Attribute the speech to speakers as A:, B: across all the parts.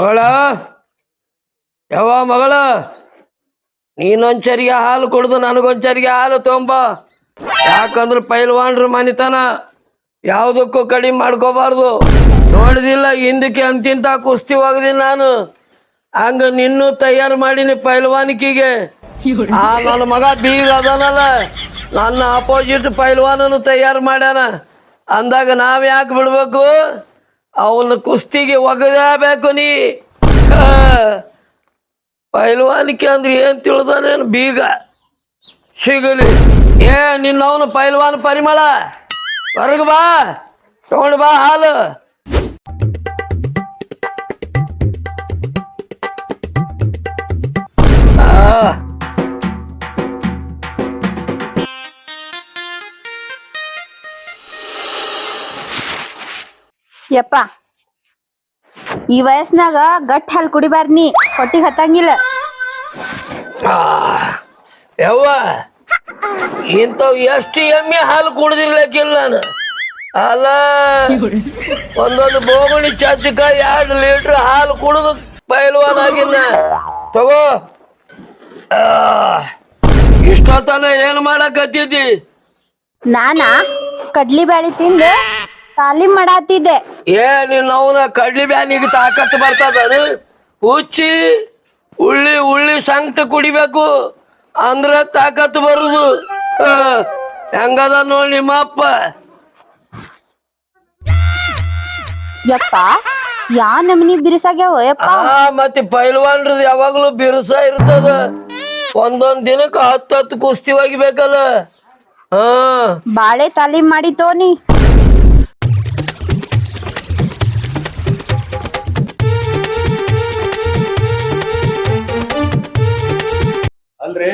A: ಮಗಳ ಯಾವ ಮಗಳ ನೀನೊಂಚರಿಗೆ ಹಾಲು ಕುಡ್ದು ನನಗೊಂಚರಿಗೆ ಹಾಲು ತೊಂಬ. ಯಾಕಂದ್ರೆ ಪೈಲ್ವಾನ್ರ ಮನಿತನ ಯಾವುದಕ್ಕೂ ಕಡಿಮೆ ಮಾಡ್ಕೋಬಾರ್ದು. ನೋಡಿದಿಲ್ಲ ಹಿಂದಕ್ಕೆ ಅಂತಿಂತ ಕುಸ್ತಿ ಹೋಗದಿ ನಾನು. ಹಂಗ ನಿನ್ನೂ ತಯಾರು ಮಾಡೀನಿ ಪೈಲ್ವಾನಿಕಿಗೆ. ನನ್ನ ಮಗ ಬೀಗ ಅದನಲ್ಲ, ನನ್ನ ಅಪೋಸಿಟ್ ಪೈಲ್ವಾನನು ತಯಾರು ಮಾಡ್ಯಾನ. ಅಂದಾಗ ನಾವ್ ಯಾಕೆ ಬಿಡ್ಬೇಕು? ಅವನ ಕುಸ್ತಿಗೆ ಒಗದೇಬೇಕು ನೀ. ಪೈಲ್ವಾನಿಕೆ ಅಂದ್ರೆ ಏನ್ ತಿಳಿದಾನೇನು ಬೀಗ ಸಿಗಲಿ. ನಿನ್ನವನು ಪೈಲ್ವಾನ್ ಪರಿಮಳ ಹೊರಗ ಬಾ, ತಗೊಂಡು ಬಾ ಹಾಲು.
B: ಯಪ್ಪ, ಈ ವಯಸ್ಸಿನಾಗ ಗಟ್ಟ ಹಾಲು ಕುಡಿಬಾರ್ದು, ನೀ ಹೊಟ್ಟಿಗೆ ಹತ್ತಂಗಿಲ್ಲ.
A: ಯವ್ವ, ಇಂಥವ್ ಎಷ್ಟು ಎಮ್ಮೆ ಹಾಲು ಕುಡ್ದಿರ್ಲಿಕ್ಕಿಲ್ಲ ನಾನು. ಅಲ್ಲ, ಒಂದೊಂದು ಬೋಗುಣಿ ಚಚ್ಚಕ 2 ಲೀಟ್ರ್ ಹಾಲು ಕುಡಿದು ಪೈಲ್ವಾನ್ ಆಗಿನ. ತಗೋ, ಇಷ್ಟೊತ್ತನ ಏನ್ ಮಾಡಕತ್ತಿದ್ದಿ?
B: ನಾನಾ ಕಡ್ಲಿ ಬ್ಯಾಳಿ ತಿಂದು ತಾಲೀಮ್ ಮಾಡಾತಿದ್ದೆ.
A: ನಿನ್ನವನ ಕಡ್ಲಿ ಬ್ಯಾನಿಗೆ ತಾಕತ್ತು ಬರ್ತದ? ಹುಚ್ಚಿ ಉಳ್ಳಿ ಉಳ್ಳಿ ಸಂಕಟ ಕುಡಿಬೇಕು ಅಂದ್ರ ತಾಕತ್ತು ಬರುದು. ಹೆಂಗದ ನೋಡಿ ನಿಮ್ಮಪ್ಪ.
B: ಯಪ್ಪ, ಯಾ ನಮ್ನಿ ಬಿರುಸಾಗ್ಯಾವ ಯಪ್ಪ.
A: ಮತ್ತೆ ಪೈಲ್ವಾನ್ರದ್ ಯಾವಾಗ್ಲೂ ಬಿರುಸ ಇರ್ತದ. ಒಂದೊಂದ್ ದಿನಕ್ಕ 10 ಕುಸ್ತಿ ಒಗಿಬೇಕಲ್ಲ.
B: ಬಾಳೆ ತಾಲೀಮ್ ಮಾಡಿತೋ ನೀ.
C: ಅಲ್ರಿ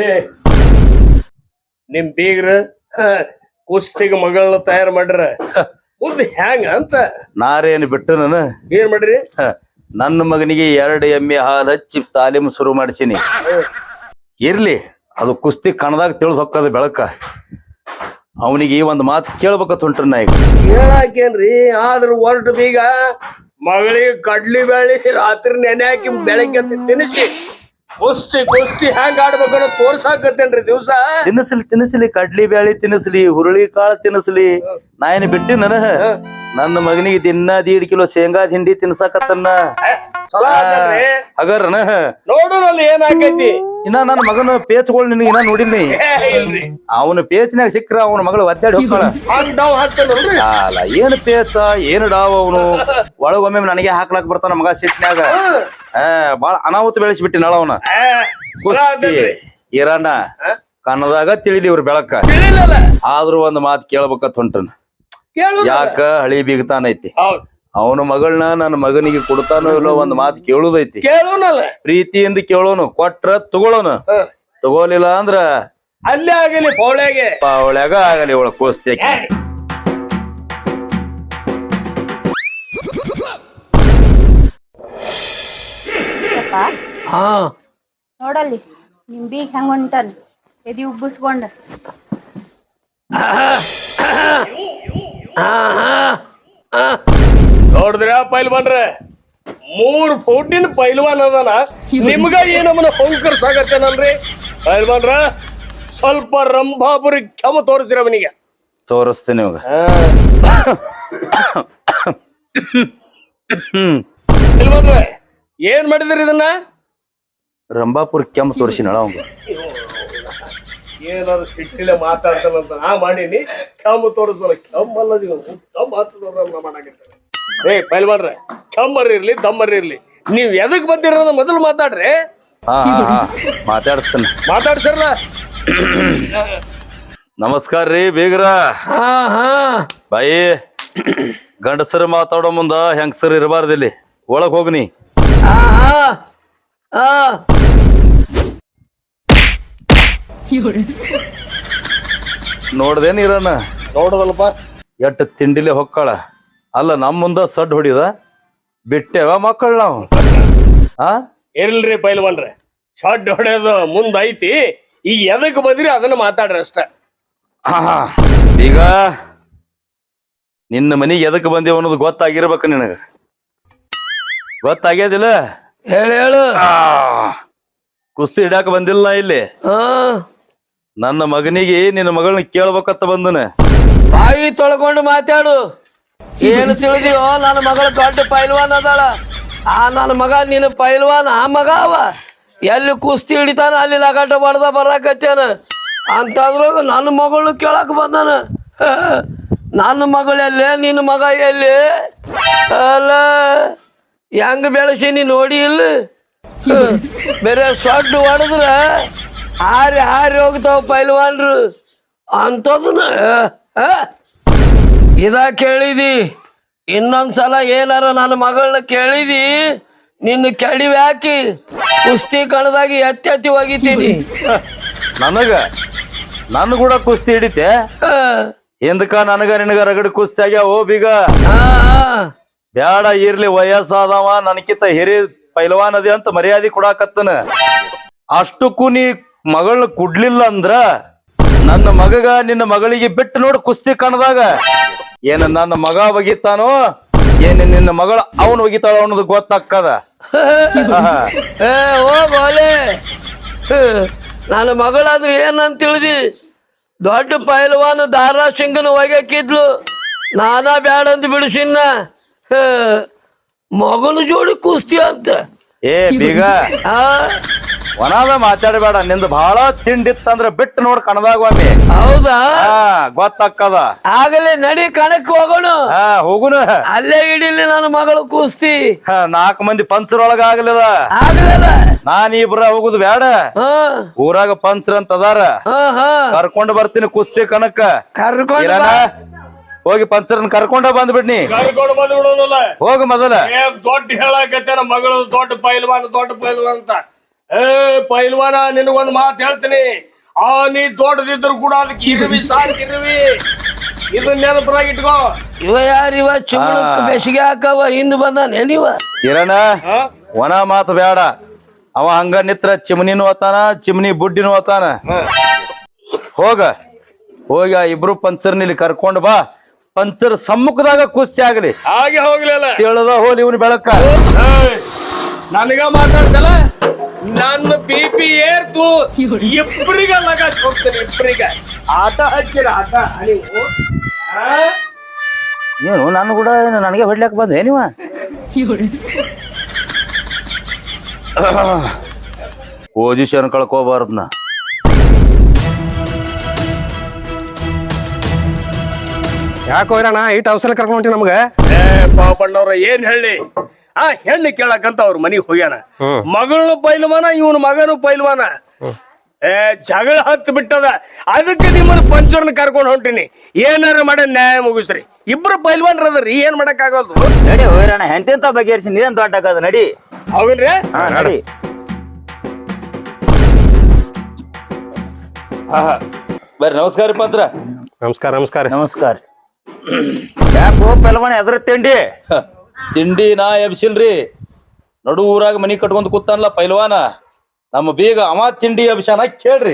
C: ನಿಮ್ ಬೀಗ್ರ ಕುಸ್ತಿಗೆ ಮಗಳನ್ನ ತಯಾರು ಮಾಡ್ರ ಮುಂದೆ ಹ್ಯಾಂಗ ಅಂತ
D: ನಾರೇನು ಬಿಟ್ಟು ನಾನು
C: ಏನ್ ಮಾಡ್ರಿ?
D: ನನ್ನ ಮಗನಿಗೆ 2 ಎಮ್ಮೆ ಹಾಲು ಹಚ್ಚಿ ತಾಲೀಮು ಶುರು ಮಾಡಿಸೀನಿ. ಇರ್ಲಿ, ಅದು ಕುಸ್ತಿ ಕಣದಾಗ ತಿಳಿದು ಹೊಕ್ಕದ ಬೆಳಕ. ಅವನಿಗೆ ಒಂದು ಮಾತು ಕೇಳ್ಬೇಕತ್ ಹೊಂಟ್ರಿ ನಾ ಈಗ.
C: ಹೇಳಾಕೇನ್ರಿ? ಆದ್ರ ಹೊರಟು ಬೀಗ ಮಗಳಿಗೆ ಕಡ್ಲಿ ಬ್ಯಾಳಿ ರಾತ್ರಿ ನೆನೆ ಹಾಕಿ ಬೆಳಗ್ಗೆ ತಿನ್ನಿಸಿ ಕುಸ್ತಿ ಕುಸ್ತಿ ಹ್ಯಾಂಗ ಆಡ್ಬೇಕನ್ನೋ ತೋರ್ಸಾಕತ್ತೇನ್ರಿ ದಿವ್ಸ.
D: ತಿನ್ನಿಸ್ಲಿ ಕಡ್ಲಿ ಬ್ಯಾಳಿ ತಿನ್ನಿಸ್ಲಿ, ಹುರುಳಿ ಕಾಳು ತಿನ್ನಿಸ್ಲಿ. ನಾ ಏನು ಬಿಟ್ಟಿ ನನ್ನ ಮಗನಿಗೆ ದಿನ 1.5 ಕಿಲೋ ಶೇಂಗಾ ಹಿಂಡಿ ತಿನ್ಸಾಕತ್ತನ್ನ. ಹಗರ್ನ
C: ನೋಡೋರಲ್ಲಿ ಏನಾಕೈತಿ?
D: ಇನ್ನ ನನ್ನ ಮಗನ ಪೇಚ್ಗಳು ನಿನಗೆ ಇನ್ನ ನೋಡಿನಿ. ಅವನ ಪೇಚ್ನಾಗ ಸಿಕ್ಕ್ರ ಅವನ ಮಗಳು ಒದ್ದಾಡಿ ಹೋಗ್ತಾಳ. ಅಲ್ಲ, ಏನು ಪೇಚ ಏನು ಡಾವ್ ಅವನು. ಒಳಗೊಮ್ಮೆ ನನಗೆ ಹಾಕ್ಲಾಕ್ ಬರ್ತಾನ ಮಗ ಸಿಟ್ನ್ಯಾಗ. ಬಾಳ ಅನಾಹುತ ಬೆಳೆಸಿಬಿಟ್ಟಿ ನಾಳ ಅವನ. ಕುಸ್ತಿ ಇರಣ್ಣ ಕನ್ನದಾಗ ತಿಳಿಲಿ ಇವ್ರ ಬೆಳಕ. ಆದ್ರೂ ಒಂದ್ ಮಾತು ಕೇಳ್ಬೇಕತ್ ಹೊಂಟನ. ಯಾಕ ಹಳಿ ಬೀಗತಾನೈತಿ. ಅವನ ಮಗಳನ್ನ ನನ್ನ ಮಗನಿಗೆ ಕೊಡ್ತಾನೋ ಇಲ್ಲೋ ಒಂದ್ ಮಾತು ಕೇಳುದೈತಿ. ಪ್ರೀತಿಯಿಂದ ಕೇಳೋನು, ಕೊಟ್ರ ತಗೊಳೋನು. ತಗೋಲಿಲ್ಲ ಅಂದ್ರ
C: ಅಲ್ಲೇ ಆಗಲಿ
D: ಪೌಳ್ಯಾಗ ಆಗಲಿ ಇವಳ ಕುಸ್ತಿ.
B: ನೋಡಲ್ಲಿ ನಿಮ್ ಬೀಗ್ ಹೆಂಗ ಹೊಂಟನ್, ಎದಿ ಉಬ್ಬಿಸ್ಕೊಂಡ.
C: ನೋಡಿದ್ರ ಪೈಲ್ವಾನ್ರೆ, 3 ಫೂಟಿನ ಪೈಲ್ವಾನ್ ಅದನ. ನಿಮ್ಗ ಏನಮ್ಮನ ಹೊಂಕರ್ಸಾಗತ್ತೇನಲ್ರಿ ಪೈಲ್ವಾನ್ರ? ಸ್ವಲ್ಪ ರಂಭಾಪುರಿ ಕ್ಷಮ ತೋರಿಸ್ತೀರ ಅವನಿಗೆ.
D: ತೋರಿಸ್ತೀನಿ ಇವಾಗ.
C: ಪೈಲ್ವಾನ್ರೆ, ಏನ್ ಮಾಡಿದ್ರಿ ಇದನ್ನ?
D: ರಂಭಾಪುರ ಕೆಮ್ಮ ತೋರಿಸಿನಳ ಅವಂಗ.
C: ಏನಾದ್ರು ಸಿಟ್ಟಿಲೆ ಮಾತಾಡ್ತಾನಂತ ನಾ ಮಾಡೀನಿ. ಕೆಮ್ಮ ತೋರಿಸ್ಬಲ್ಲ, ಕೆಮ್ಮಲ್ಲ ಮಾಡಾಕತ್ತೇನೆ. ಪೈಲ್ವಾನ್ರೆ, ಕೆಮ್ಮರ್ ಇರ್ಲಿ ದಮ್ಮರ್ ಇರ್ಲಿ, ನೀವ್ ಎದಕ್ ಬಂದಿರೋದ ಮೊದಲು ಮಾತಾಡ್ರಿ.
D: ಮಾತಾಡಿಸ್ತಾನ,
C: ಮಾತಾಡ್ಸಿರಲ್ಲ.
D: ನಮಸ್ಕಾರ ರೀ ಬೀಗ್ರ. ಬಾಯಿ, ಗಂಡಸರು ಮಾತಾಡೋ ಮುಂದ ಹೆಂಗಸರು ಇರಬಾರ್ದಿಲ್ಲಿ. ಒಳಗ್ ಹೋಗ್ನಿ. ನೋಡ್ದೇನ್ ಇರಣ್ಣ?
C: ನೋಡದಲ್ಪ,
D: ಎಟ್ಟು ತಿಂಡಿಲೆ ಹೊಕ್ಕಾಳ. ಅಲ್ಲ, ನಮ್ಮ ಮುಂದ ಸಡ್ ಹೊಡಿದ ಬಿಟ್ಟೆವ ಮಕ್ಕಳು ನಾವು.
C: ಇರ್ಲ್ರಿ ಪೈಲ್ವಾನ್ರೆ, ಸಡ್ ಹೊಡೆಯೋದು ಮುಂದ್ ಐತಿ. ಈಗ ಎದಕ್ ಬಂದ್ರಿ ಅದನ್ನ ಮಾತಾಡ್ರಿ ಅಷ್ಟ.
D: ಈಗ ನಿನ್ನ ಮನೆಗೆ ಎದಕ್ಕೆ ಬಂದೇವ ಅನ್ನೋದು ಗೊತ್ತಾಗಿರ್ಬೇಕು ನಿನಗ. ಗೊತ್ತಾಗ್ಯದಿಲ್ಲ?
A: ಹೇಳು
D: ಕುಸ್ತಿ ಹಿಡ್ಯಾಕ ಬಂದಿಲ್ಲ ನಾ ಇಲ್ಲಿ.
A: ಹಾ
D: ನನ್ನ ಮಗನಿಗೆ ನಿನ್ನ ಮಗಳನ್ನ ಕೇಳ್ಬೇಕಂತ ಬಂದನ.
A: ಬಾಯಿ ತೊಳ್ಕೊಂಡು ಮಾತಾಡು. ಏನು ತಿಳಿದಿಯೋ ನನ್ನ ಮಗಳ ದೊಡ್ಡ ಪೈಲ್ವಾನ್ ಅದಾಳ. ಆ ನನ್ನ ಮಗ ನೀನು ಪೈಲ್ವಾನ್ ಆ ಮಗ ಅವ. ಎಲ್ಲಿ ಕುಸ್ತಿ ಹಿಡಿತಾನ ಅಲ್ಲಿ ಲಗಾಟ ಬಡ್ದ ಬರಾಕತ್ತೇನ ಅಂತಂದ್ರಾಗ ನನ್ನ ಮಗಳು ಕೇಳಕ್ ಬಂದಾನ. ನನ್ನ ಮಗಳೆಲ್ಲೇ ನಿನ್ನ ಮಗ ಎಲ್ಲಿ? ಅಲ್ಲ ಹೆಂಗ ಬೆಳೆಸೀನಿ ನೋಡಿ ಇಲ್ಲ. ಬೇರೆ ಸೊಡ್ಡು ಹೊಡೆದ್ರ ಹಾರಿ ಹಾರಿ ಹೋಗ್ತಾವ ಪೈಲ್ವಾನ್ರು ಅಂತದನ್ನ ಇದ ಕೇಳಿದಿ. ಇನ್ನೊಂದ್ಸಲ ಏನಾರ ನನ್ನ ಮಗಳನ್ನ ಕೇಳಿದಿ ನಿನ್ನ ಕೆಡಿವಿ ಹಾಕಿ ಕುಸ್ತಿ ಕಣದಾಗಿ ಎತ್ತಿ ಒಗಿತೀನಿ.
D: ನನ್ನ ಕೂಡ ಕುಸ್ತಿ ಹಿಡಿತೆ ಎಂದಕ ನನಗ ನಿನಗ ರಗಡ ಕುಸ್ತಿ ಆಗ್ಯಾವ. ಬೀಗ ಬ್ಯಾಡ ಇರ್ಲಿ, ವಯಸ್ಸಾದವ ನನಕಿಂತ ಹಿರಿ ಪೈಲ್ವಾನ್ ಅದಿ ಅಂತ ಮರ್ಯಾದೆ ಕೊಡಾಕತ್ತನ. ಅಷ್ಟಕ್ಕೂ ನೀ ಮಗಳನ್ನ ಕುಡ್ಲಿಲ್ಲ ಅಂದ್ರ ನನ್ನ ಮಗಗ ನಿನ್ನ ಮಗಳಿಗೆ ಬಿಟ್ಟು ನೋಡು ಕುಸ್ತಿ ಕಣದಾಗ. ಏನ ನನ್ನ ಮಗ ಒಗಿತಾನೋ ಏನ ನಿನ್ನ ಮಗಳ ಅವನು ಒಗಿತಾಳ ಅನ್ನೋದು ಗೊತ್ತಾಕ್ಕದ.
A: ಹೋಗೋಲೆ ನನ್ನ ಮಗಳಾದ್ರೆ ಏನಂತ ತಿಳಿದಿ? ದೊಡ್ಡ ಪೈಲ್ವಾನ ದಾರಾ ಸಿಂಗನ ಒಗ್ಯಾಕಿದ್ಲು. ನಾನಾ ಬ್ಯಾಡ ಅಂತ ಬಿಡಿಸಿನ. ಮಗಳು ಜೋಡಿ ಕುಸ್ತಿ ಅಂತ.
D: ಬೀಗ ಒನಾದ ಮಾತಾಡಬೇಡ. ನಿಂದು ಬಹಳ ತಿಂಡಿತ್ತಂದ್ರ ಬಿಟ್ಟು ನೋಡ್ ಕಣದಾಗ ಒಮ್ಮೆ.
A: ಹೌದಾ?
D: ಗೊತ್ತಾಕ್ಕದ.
A: ಆಗಲೇ ನಡಿ ಕಣಕ್ ಹೋಗೋಣ.
D: ಹೋಗುನ.
A: ಅಲ್ಲೇ ಹಿಡಿಲಿ ನನ್ನ ಮಗಳು ಕುಸ್ತಿ.
D: 4 ಮಂದಿ ಪಂಚರೊಳಗ ಆಗ್ಲಿಲ್ಲ. ನಾನ್ ಇಬ್ರ ಹೋಗುದು ಬ್ಯಾಡ. ಊರಾಗ ಪಂಚರ್ ಅಂತ ಅದಾರ, ಕರ್ಕೊಂಡ್ ಬರ್ತೀನಿ ಕುಸ್ತಿ ಕಣಕ್ಕ.
A: ಕರ್ಕೊಂಡ್
D: ಹೋಗಿ ಪಂಚರನ್ ಕರ್ಕೊಂಡ ಬಂದ್ಬಿಡ್ನಿ.
C: ಕರ್ಕೊಂಡು ಬಂದ್ಬಿಡೋನಲ್ಲ.
D: ಹೋಗ ಮೊದಲ.
C: ದೊಡ್ಡ ಹೇಳಕತ್ತಾರ ಮಗಳು ದೊಡ್ಡ ಪೈಲ್ವಾನ್ ಅಂತ. ಪೈಲ್ವಾನ ನಿನಗೊಂದು ಮಾತು ಹೇಳ್ತೀನಿ. ನೀ ದೊಡ್ಡದಿದ್ರು ಕೂಡ ಅದಕ್ಕೆ ಇರುವಿ ಸಾಕಿರುವಿ. ಇದನ್ನ ನೆನಪರಾಗ ಇಟ್ಕೋ.
A: ಇವ ಯಾರಿವ ಚುಮಳಕ್ ಬೆಸಿಗೆ ಹಾಕವ ಹಿಂದ್ ಬಂದಾನೆ ನೀವ.
D: ಕಿರಣ ಒಣ ಮಾತು ಬೇಡ. ಅವ ಹಂಗ ನಿತ್ರ ಚಿಮನಿನೂ ಓತಾನ, ಚಿಮನಿ ಬುಡ್ಡಿನೂ ಓತಾನ. ಹೋಗಿ ಆ ಇಬ್ರು ಪಂಚರ್ನ ಇಲ್ಲಿ ಕರ್ಕೊಂಡ್ ಬಾ. ಪಂಚರ್ ಸಮ್ಮುಖದಾಗ ಕುಸ್ತಿ ಆಗ್ಲಿ.
C: ಹಾಗೆ ಹೋಗ್ಲಿಲ್ಲ
D: ತಿಳಿದ ಹೋಲಿ ಇವನು ಬೆಳಕ.
C: ನನಗ ಮಾತಾಡ್ತಲ್ಲ, ನನ್ನ BP ಏರ್ತು. ಇಬ್ಬರಿಗ ಲಗಾಚ್ ಹೋಗ್ತೇನೆ. ಇಬ್ಬರಿಗ ಆಟ ಹಚ್ಚಿರ ಆಟ. ನೀವು
D: ಏನು ನಾನು ಕೂಡ ನನಗೆ ಹೊಡ್ಲಿಕ್ ಬಂದೆ ನೀವ? ಪೊಸಿಷನ್ ಕಳ್ಕೋಬಾರ್ದನ.
E: ಯಾಕೆ ಹೋಯ್ರಣ್ಣ ಇಟ್ಟು ಅವಸರ ಕರ್ಕೊಂಡಿ ನಮ್ಗ?
C: ಪಾಪಣ್ಣವ್ರ ಏನ್ ಹೇಳಿ, ಆ ಹೆಣ್ಣು ಕೇಳಕಂತ ಅವ್ರ ಮನಿಗ್ ಹೋಗ್ಯಾನ. ಮಗಳನು ಪೈಲ್ವಾನ, ಇವನ್ ಮಗನು ಪೈಲ್ವಾನ. ಜಗಳ ಹತ್ತು ಬಿಟ್ಟದ. ಅದಕ್ಕೆ ನಿಮ್ಮನ್ನ ಪಂಚರ್ನ ಕರ್ಕೊಂಡು ಹೊಂಟಿನಿ. ಏನಾರ ಮಾಡ ನ್ಯಾಯ ಮುಗಿಸ್ರಿ. ಇಬ್ರು ಪೈಲ್ವಾನ್ರದ್ರಿ, ಏನ್ ಮಾಡಕ್ ಆಗೋದು?
F: ನಡಿ ಹೋಯ್ರಣ್ಣ, ಎಂತೆಂತ ಬಗೆಹರಿಸಿ ನೀನ್ ದೊಡ್ಡ ಆಗದ. ನಡಿ
C: ಹೌದ್ರಿ.
F: ನಡಿ.
D: ಬರ್ರಿ. ನಮಸ್ಕಾರ ಪಂತ್ರ.
E: ನಮಸ್ಕಾರ. ನಮಸ್ಕಾರ.
F: ನಮಸ್ಕಾರ. ಯಾಕೋ ಪೆಲ್ವಾನ ಎದ್ರ
D: ತಿಂಡಿ ನಾ ಎಬ್ಸಿಲ್ರಿ. ನಡು ಊರಾಗ ಮನಿ ಕಟ್ಕೊಂಡ್ ಕೂತಾನಲ್ಲ ಪೈಲ್ವಾನ, ನಮ್ಮ ಬೀಗ ಅವ ತಿಂಡಿ ಅಭಿಷಾನ ಕೇಳ್ರಿ.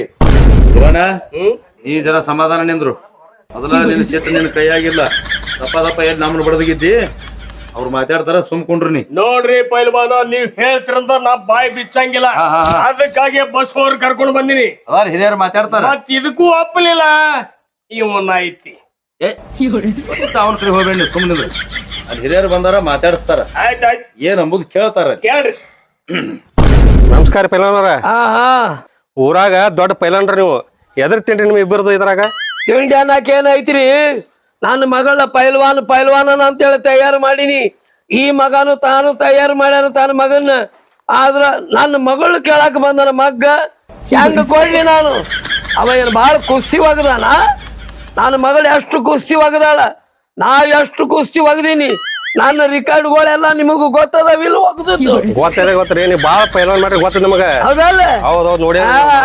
D: ಈ ಜರ ಸಮಾಧಾನ ನಿಂದ್ರು. ಮೊದಲ ನಿನ್ನ ಸಿಟ್ಟು ನಿನ್ನ ಕೈಯಾಗಿಲ್ಲ. ದಪ್ಪ ಎಲ್ಲಿ ನಮ್ಮನ್ನ ಬಡದಗಿದ್ದಿ. ಅವ್ರು ಮಾತಾಡ್ತಾರ, ಸುಮ್ಕೊಂಡ್ರಿ ನೀ.
C: ನೋಡ್ರಿ ಪೈಲ್ವಾನ, ನೀವ್ ಹೇಳ್ತಿರಂತ ನಾ ಬಾಯಿ ಬಿಚ್ಚಂಗಿಲ್ಲ. ಅದಕ್ಕಾಗಿ ಬಸ್ ಅವ್ರ ಕರ್ಕೊಂಡು ಬಂದಿನಿ.
D: ಅದಾರ ಹಿರಿಯರು ಮಾತಾಡ್ತಾರ.
C: ಮತ್ ಇದಕ್ಕೂ ಒಪ್ಪಲಿಲ್ಲ. ಇವನ್ನ ಐತಿ
D: ಅವನ ಕಡೆ ಹೋಗ್ಬೇಡಿ, ಸುಮ್ಮನಿದ್ರು. ಅಲ್ಲಿ ಹಿರಿಯರು ಬಂದಾರ, ಮಾತಾಡಿಸ್ತಾರ.
C: ಆಯ್ತಾಯ್ತು,
D: ಏನ್ ಅಂಬುದು ಕೇಳ್ತಾರ.
C: ಕೇಳ್ರಿ.
E: ನಮಸ್ಕಾರ ಪೈಲವಾನರ. ಊರಾಗ ದೊಡ್ಡ ಪೈಲವಾನ್ರ ನೀವು. ಎದ್ರ ತಿಂಡ್ರಿ ನಿಮ್ ಇಬ್ಬರದು ಇದ್ರಾಗ?
A: ತಿಂಡಿ ಅನ್ನಕ್ ಏನೈತ್ರಿ? ನನ್ನ ಮಗಳ ಪೈಲ್ವಾನ ಅಂತೇಳಿ ತಯಾರು ಮಾಡೀನಿ. ಈ ಮಗನು ತಾನು ತಯಾರು ಮಾಡ್ಯಾನ ತನ್ನ ಮಗನ್ನ. ಆದ್ರ ನನ್ನ ಮಗಳು ಕೇಳಕ್ ಬಂದನ ಮಗ್ಗ ಹೆಂಗ ಕೊಡ್ಲಿ ನಾನು? ಅವ ಏನು ಭಾಳ ಕುಸ್ತಿ ಒಗದಾನ? ನನ್ನ ಮಗಳು ಎಷ್ಟು ಕುಸ್ತಿ ಒಗದಾಳ, ನಾ ಎಷ್ಟು ಕುಸ್ತಿ ಒಗದೀನಿ. ನನ್ನ ರಿಕಾರ್ಡ್ಗಳೆಲ್ಲ ನಿಮಗೂ ಗೊತ್ತದವಿಲ್ಲ? ಒಗದದ್ದು
E: ಗೊತ್ತರಿ. ನೀವು ಬಾಳ ಪೈಲವಾನ್ ಮಾಡ್ರಿ ಗೊತ್ತದ ನಮಗ.
A: ಹೌದಲ್ಲ?
E: ಹೌದೌದ್ ನೋಡಿ.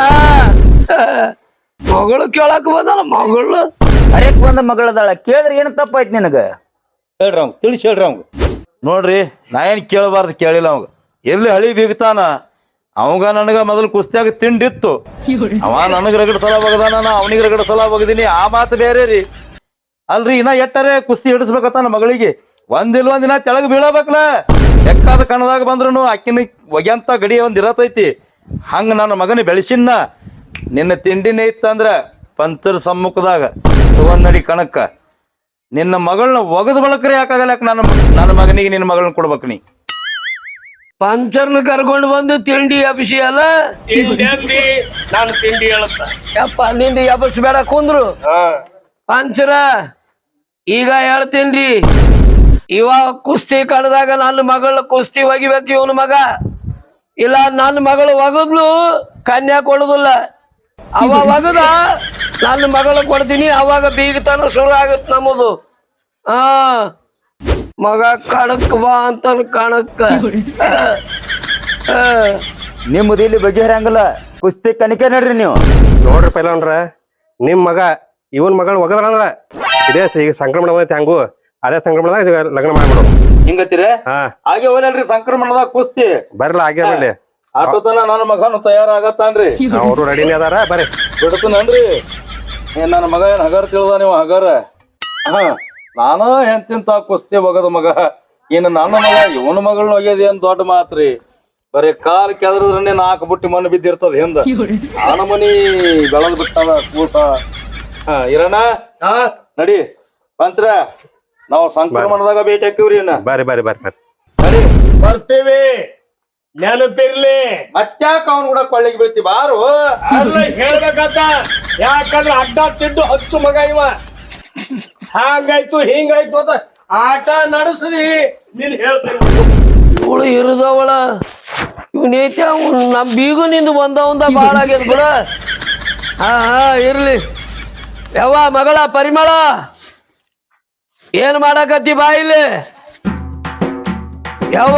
A: ಮಗಳು ಕೇಳಕ್ ಬಂದಲ್ಲ. ಮಗಳು
F: ಹರೇಕ್ ಬಂದ ಮಗಳದಾಳ. ಕೇಳಿದ್ರೆ ಏನು ತಪ್ಪಾಯ್ತು ನಿನಗ?
D: ಹೇಳ್ರಿ ಅವಂಗ, ತಿಳಿಸಿ ಹೇಳ್ರಿ ಅವಂಗ. ನೋಡ್ರಿ, ನಾ ಏನ್ ಕೇಳಬಾರ್ದು ಕೇಳಿಲ್ಲ ಅವಂಗ. ಎಲ್ಲಿ ಹಳಿ ಬೀಗ್ತಾನ ಅವಂಗ. ನನಗ ಮೊದಲು ಕುಸ್ತಿಯಾಗ ತಿಂಡಿತ್ತು. ಅವ ನನಗ್ ರಗಡ್ ಸಲ ಬಗದಾನ, ನಾ ಅವನಿಗೆ ರಗಡ್ ಸಲ ಬಗದೀನಿ. ಆ ಮಾತು ಬೇರೆ ರೀ. ಅಲ್ರಿ, ಇನ್ನ ಎಟ್ಟರೆ ಕುಸ್ತಿ ಹಿಡಿಸ್ಬೇಕತ್ತ ನನ್ನ ಮಗಳಿಗೆ. ಒಂದಿನ ತೆಳಗ್ ಬೀಳಬೇಕಲ್ಲ. ಬೆಕ್ಕಾದ ಕಣದಾಗ ಬಂದ್ರು ಆಕಿನ ಒಗ್ಯಂತ ಗಡಿ ಒಂದ್ ಇರತೈತಿ. ಹಂಗ ನನ್ನ ಮಗನ ಬೆಳೆಸಿನ ನಿನ್ನ ತಿಂಡಿನೇ ಇತ್ತಂದ್ರ ಪಂಚರ ಸಮ್ಮುಖದಾಗ ತಗೊಂಡಡಿ ಕಣಕ್ಕ ನಿನ್ನ ಮಗಳನ್ನ ಒಗದ ಬಳಕ್ರಿ ಯಾಕಾಗಲ್ಲ ನನ್ನ ಮಗನಿಗೆ ನಿನ್ನ ಮಗಳನ್ನ ಕೊಡ್ಬೇಕು ನೀ.
A: ಪಂಚರ್ನ ಕರ್ಕೊಂಡು ಬಂದು ತಿಂಡಿ ಎಬ್ಸಿ ಅಲ್ಲ
C: ತಿಂಡಿ ಅಂದಿ, ನಾನು ತಿಂಡಿ ಹೇಳುತ್ತ.
A: ಯಪ್ಪ ನಿಂದ ಎಬ್ಬಸ್ ಬೇಡ ಕುಂದ್ರು. ಪಂಚರ ಈಗ ಹೇಳ್ತೀನ್ರಿ, ಇವಾಗ ಕುಸ್ತಿ ಕಡ್ದಾಗ ನನ್ನ ಮಗಳ ಕುಸ್ತಿ ಒಗಿಬೇಕು ಇವನ ಮಗ. ಇಲ್ಲ ನನ್ನ ಮಗಳು ಒಗದ್ಲು ಕನ್ಯಾ ಕೊಡುದಿಲ್ಲ. ಅವ ಒಗದ ನನ್ನ ಮಗಳು ಕೊಡ್ತೀನಿ, ಅವಾಗ ಬೀಗತನ ಶುರು ಆಗತ್ ನಮ್ಮದು. ಮಗ ಕಣಕ್ ಬಾ ಅಂತ ಕಣಕ್ಕ.
F: ನಿಮ್ಮದು ಇಲ್ಲಿ ಬಗೆಹರಂಗಿಲ್ಲ. ಕುಸ್ತಿ ಕಣಿಕೆ ನಡ್ರಿ ನೀವು.
E: ನೋಡ್ರಿ ಪೈಲವಾನ್ರ, ನಿಮ್ ಮಗ ಇವನ್ ಮಗಳು ಒಗದ್ರಂದ್ರ ಇದೇ ಈಗ ಸಂಕ್ರಮಣ ಬಂದೈತಿ ಹಂಗು ಅದೇ ಸಂಕ್ರಮಣದಾಗ ಲಗ್ನ ಮಾಡ್ಬಿಡು.
D: ಹಿಂಗತ್ತೀರ ಹಾಗೆ ಹೋಗಲ್ರಿ ಸಂಕ್ರಮಣದಾಗ ಕುಸ್ತಿ
E: ಬರ್ಲ ಆಗ್ಯ ಬರ್ಲಿ.
D: ಆಟೋತನ ನನ್ನ ಮಗನು ತಯಾರಾಗತ್ತಾನ್ರಿ.
E: ಅವರು ರೆಡಿನೇ ಅದಾರ ಬರ್ರಿ.
D: ಬಿಡ್ತನನ್ರಿ. ನನ್ನ ಮಗ ಏನ್ ಹಗರ್ ತಿಳಿದ ನೀವು ಹಗರ. ನಾನು ಎಂತಿಂತ ಕುಸ್ತಿ ಒಗದ ಮಗ. ಇನ್ನು ನನ್ನ ಮಗ ಇವನ ಮಗಳನ್ನ ಒಗ್ಯದ ಏನ್ ದೊಡ್ಡ ಮಾತ್ರಿ. ಬರೀ ಕಾಲ್ ಕೆದ್ರದ್ರನ್ನೇ 4 ಬುಟ್ಟಿ ಮಣ್ಣು ಬಿದ್ದಿರ್ತದ ಹಿಂದ. ಆನ ಮನಿ ಬೆಳದ್ ಬಿಟ್ಟದ ಕೂಸ. ಇರೋಣ ನಡಿ ಪಂಚ್ರ, ನಾವು ಸಂಕ್ರಮಣದಾಗ ಭೇಟಿ ಹಾಕಿವ್ರಿ.
E: ಬರ್ರಿ ಬರ್ರಿ ಬರ್ರಿ ಬರ್ರಿ.
D: ನಡಿ
C: ಬರ್ತೀವಿ, ನೆನಪಿರ್ಲಿ.
D: ಮತ್ತ್ಯಾಕ ಅವ್ನ ಕೂಡ ಕೊಳ್ಳಿಗೆ ಬೀಳ್ತಿ ಬಾರು.
C: ಅಲ್ಲ ಹೇಳ್ಬೇಕಂತ, ಯಾಕಂದ್ರೆ ಅಡ್ಡ ತಿದ್ದು ಹಚ್ಚು ಮಗ ಇವ. ಹಾಗಾಯ್ತು ಹಿಂಗಾಯ್ತು ಅಂತ ಆಟ ನಡೆಸ್ದಿ ನೀನ್ ಹೇಳ್ತೀನಿ.
A: ಇವಳು ಇರುದವಳ ಇವನೈತಿ ನಮ್ ಬೀಗು ನಿಂದು ಬಂದವಂದ ಬಾಳ ಆಗ್ಯದ ಬಿಡ. ಹಾ ಇರ್ಲಿ. ಯಾವ ಮಗಳ ಪರಿಮಳ ಏನ್ ಮಾಡಕತ್ತಿ ಬಾ ಇಲ್ಲಿ. ಯಾವ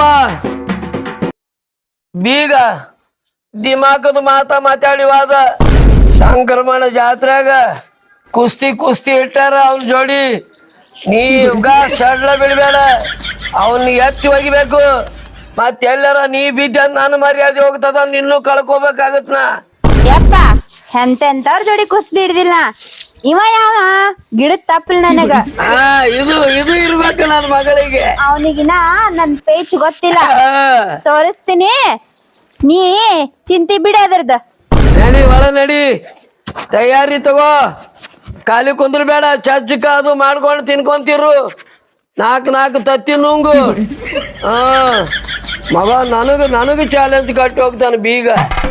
A: ಬೀಗ ದಿಮಾಕದ ಮಾತಾಡಿವಾದ ಸಂಕ್ರಮಣ ಜಾತ್ರೆಗ ಕುಸ್ತಿ ಇಟ್ಟಾರ ಅವನ್ ಜೋಡಿ. ನೀಗ ಸಡ್ಲ ಬಿಡ್ಬೇಡ, ಅವನ್ ಎತ್ತಿ ಒಗಿಬೇಕು. ಮತ್ತೆಲ್ಲರ ನೀ ಬಿದ್ದ ನಾನು ಮರ್ಯಾದೆ ಹೋಗ್ತದ, ನಿನ್ನೂ ಕಳ್ಕೊಬೇಕಾಗತ್. ನಾ
B: ಯಪ್ಪ ಎಂತೆಂತವ್ರ ಜೋಡಿ ಕುಸ್ತಿ ಹಿಡ್ದಿಲ್ಲ. ಇವ ಯಾವ ಗಿಡದ ತಪ್ಪಲ್ ನನಗ.
A: ಇದು ಇರ್ಬೇಕು ನನ್ನ ಮಗಳಿಗೆ.
B: ಅವನಿಗಿನ ನನ್ ಪೇಚ್ ಗೊತ್ತಿಲ್ಲ, ತೋರಿಸ್ತೀನಿ. ನೀ ಚಿಂತಿ ಬಿಡ ಅದ್ರದ್ದು.
A: ನಡಿ ಒಳ ನಡಿ, ತಯಾರಿ ತಗೋ. ಖಾಲಿ ಕುಂದ್ರಬೇಡ, ಚಜ್ಜಕ ಅದು ಮಾಡ್ಕೊಂಡು ತಿನ್ಕೊಂತಿರು. 4 ತತ್ತಿ ನುಂಗು. ಮಗ ನನಗ ಚಾಲೆಂಜ್ ಕಟ್ಟಿ ಹೋಗ್ತಾನ ಬೀಗ.